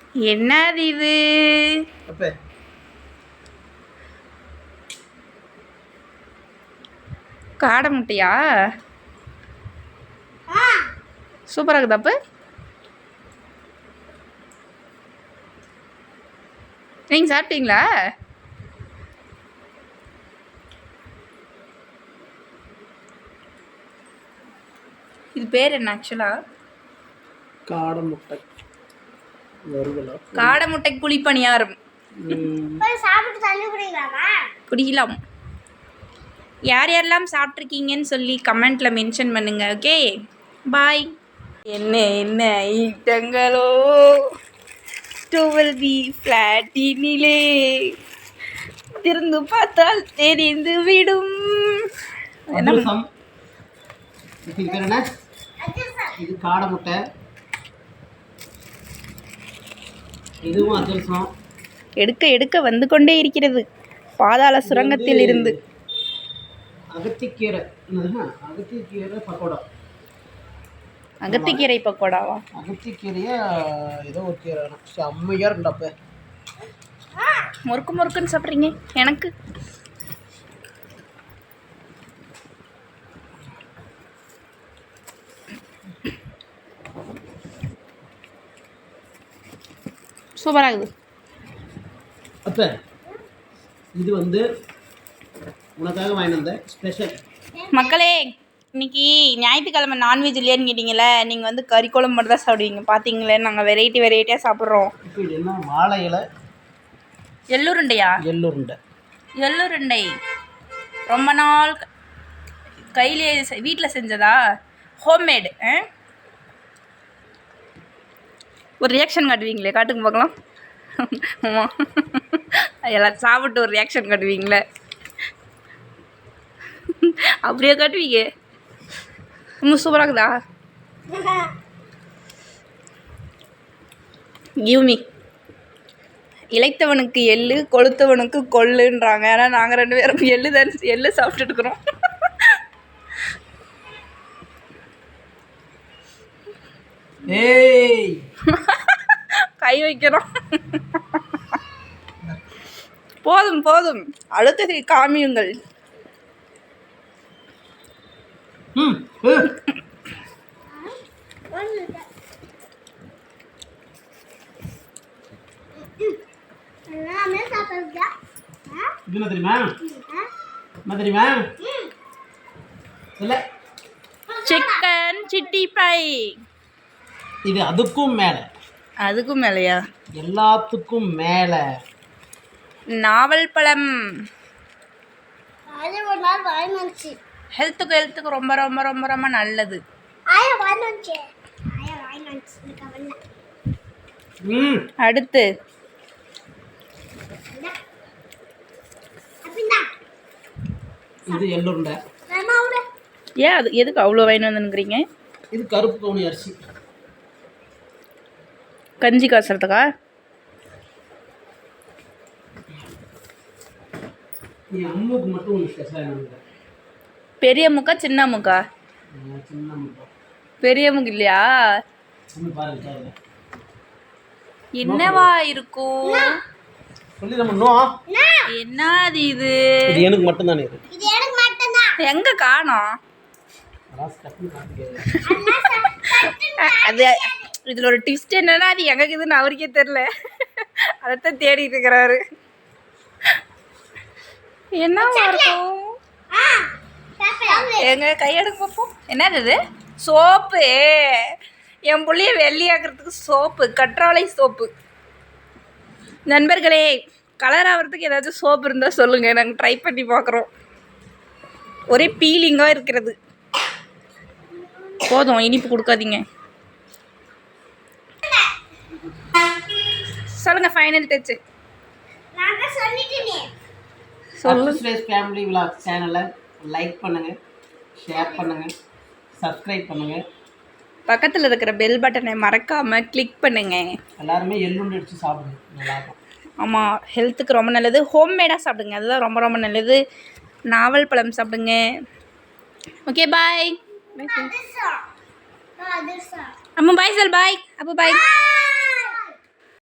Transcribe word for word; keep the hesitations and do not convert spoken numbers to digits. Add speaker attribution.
Speaker 1: என்னது இது? காடை முட்டையா? சூப்பராக இருக்குதா? அப்போ நீங்கள் சாப்பிட்டீங்களா? இது பேர் என்ன ஆக்சுவலா?
Speaker 2: காடை முட்டை.
Speaker 1: காடை முட்டை குழிப்பணியாரம். குடிக்கலாம். யார் யாரெல்லாம் சாப்பிட்ருக்கீங்கன்னு சொல்லி கமெண்ட்டில் மென்ஷன் பண்ணுங்க. Okay, bye. என்ன என்ன ஐட்டங்களோ டுவெல் பி ஃப்ளாட்டினிலே திறந்து பார்த்தால் தெரிந்து விடும்.
Speaker 2: இது காடை முட்டை, இதுவும் அதிரசம்.
Speaker 1: எடுக்க எடுக்க வந்து கொண்டே இருக்கிறது பாதாள சுரங்கத்தில் இருந்து.
Speaker 2: அகத்திக்கீரை அகத்திக்கீரை பக்கோடா.
Speaker 1: அகத்திக்கீரை பக்கோடாவா?
Speaker 2: அகத்திக்கீரையா ஏதோ ஒரு கீரை செம்மையாக இருந்தாப்ப.
Speaker 1: முறுக்கு முறுக்குன்னு சாப்பிட்றீங்க. எனக்கு சூப்பராக இருக்குது.
Speaker 2: அப்போ இது வந்து உனக்காக வாங்கி வந்த ஸ்பெஷல்.
Speaker 1: மக்களே, இன்னைக்கு ஞாயிற்றுக்கிழமை நான்வெஜ் இல்லையான்னு கேட்டிங்களே. நீங்கள் வந்து கறி குழம்பு மட்டும் தான் சாப்பிடுவீங்க. பார்த்தீங்களே, நாங்கள் வெரைட்டி வெரைட்டியாக சாப்பிட்றோம்.
Speaker 2: இப்போ இது என்ன? வாழை இலை
Speaker 1: எள்ளுருண்டையா?
Speaker 2: எள்ளுருண்டை.
Speaker 1: எள்ளுருண்டை ரொம்ப நாள் கையிலே வீட்டில் செஞ்சதா? ஹோம்மேடு. ஒரு ரியாக்ஷன் காட்டுவீங்களே, காட்டுங்க பார்க்கலாம். ஆமாம், எல்லாம் சாப்பிட்டு ஒரு ரியாக்ஷன் காட்டுவீங்களே, அப்படியே காட்டுவீங்க. ரொம்ப சூப்பராக இருக்குதா? Give me. இளைத்தவனுக்கு எள்ளு, கொளுத்தவனுக்கு கொள்ளுன்றாங்க. ஆனால் நாங்கள் ரெண்டு பேரும் எள்ளு தான் எள்ளு சாப்பிட்டுட்டு இருக்கிறோம்.
Speaker 2: ஏய்,
Speaker 1: கை வைக்கிறோம். போதும் போதும், அடுத்தது காமியுங்கள். Chicken city fry.
Speaker 2: இது அதுக்கும் மேலே.
Speaker 1: அதுக்கும் மேலையா?
Speaker 2: எல்லாத்துக்கும் மேலே
Speaker 1: நாவல் பழம். ஹெல்த்துக்கு ஹெல்த்துக்கு ரொம்ப ரொம்ப ரொம்ப ரொம்ப நல்லது. அடுத்து
Speaker 2: இது எள்ளுருண்டை.
Speaker 1: ஏன் அது எதுக்கு அவ்வளோ வாங்கி வந்துங்கிறீங்க?
Speaker 2: இது கருப்பு கவுனி அரிசி.
Speaker 1: கஞ்சி காசுறதுக்கா?
Speaker 2: அம்முக்கு மட்டும் ஒன்று ஸ்பெஷலாக.
Speaker 1: பெரிய முக்கா சின்ன முக்கா?
Speaker 2: சின்ன முக்கா.
Speaker 1: பெரிய முக்கு இல்லையா? என்னவா இருக்கும்? என்னது இது?
Speaker 2: இது எனக்கு மட்டும் தானே.
Speaker 1: எங்க காணோம்? அது இதில் ஒரு ட்விஸ்ட் என்னன்னா, அது எங்கே இருக்குதுன்னு அவருக்கே தெரில. அதைத்தான் தேடிட்டு இருக்கிறாரு. என்னவா இருக்கும்? எங்க கையெடுக்க பார்ப்போம். என்னது இது? சோப்பு. என் பிள்ளைய வெள்ளையாக்குறதுக்கு சோப்பு, கற்றாழை சோப்பு. நண்பர்களே, கலர் ஆகிறதுக்கு ஏதாச்சும் சோப்பு இருந்தால் சொல்லுங்கள், நாங்கள் ட்ரை பண்ணி பார்க்குறோம். ஒரே பீலிங்காக இருக்கிறது. போதும், இனிப்பு கொடுக்காதீங்க. சொல்லுங்க, ஃபைனல் டச்.
Speaker 2: சொல்லுங்க. ஃபேமிலி விலாக் சேனலை லைக் பண்ணுங்க, ஷேர் பண்ணுங்க, சப்ஸ்கிரைப் பண்ணுங்க.
Speaker 1: பக்கத்தில் இருக்கிற பெல் பட்டனை மறக்காமல் கிளிக் பண்ணுங்க.
Speaker 2: எல்லாருமே எள்ளுண்டு அடித்து சாப்பிடுங்க, நல்லாயிருக்கும்.
Speaker 1: ஆமாம், ஹெல்த்துக்கு ரொம்ப நல்லது. ஹோம்மேடாக சாப்பிடுங்க, அதுதான் ரொம்ப ரொம்ப நல்லது. நாவல் பழம் சாப்பிடுங்க. Okay, bye. அம்மா பாய் சொல். பாய். அப்போ பாய்.